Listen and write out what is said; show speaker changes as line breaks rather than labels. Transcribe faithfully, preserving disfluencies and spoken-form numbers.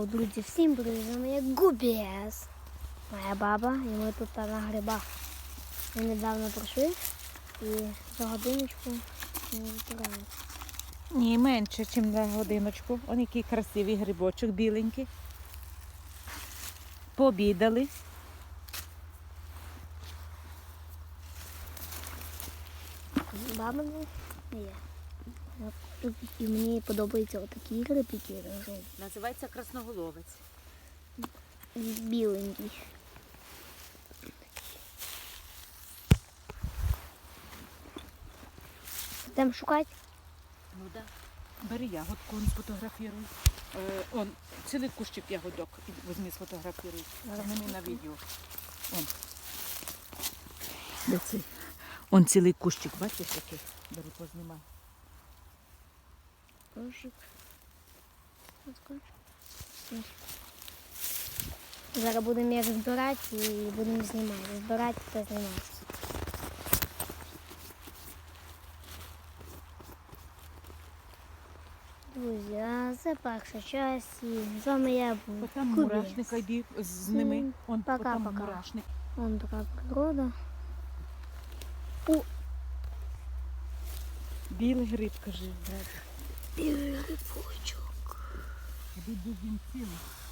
Йоу, друзі, всім привіт, з вами я Губіс, моя баба, і ми тут на грибах. Ми недавно прийшли і за годиночку ми збираємо.
Ні, менше, ніж на годиночку. Ось який красивий грибочок, біленький. Пообідали.
Баба не є. Тут і мені подобаються отакі гриби, які жовті.
Називається красноголовець.
Біленький. Йдемо шукати?
Ну так. Да. Бери ягодку, он сфотографіруй. Е, он, цілий кущик ягодок. І візьми, сфотографіруй. Знімай на відео. Он. Де цей? Он цілий кущик, бачиш який? Бери, познімай.
Кошик. Зараз будемо їх збирати і будемо знімати. Збирати та знімати. Друзі, а це перша часть. І з вами я був.
Там мурашник, йди з ними. Он
Пока,
там
пока.
мурашник.
Вон така природа. О,
Білий гриб, кажи.
білий грибочок.
Іди, він цілий.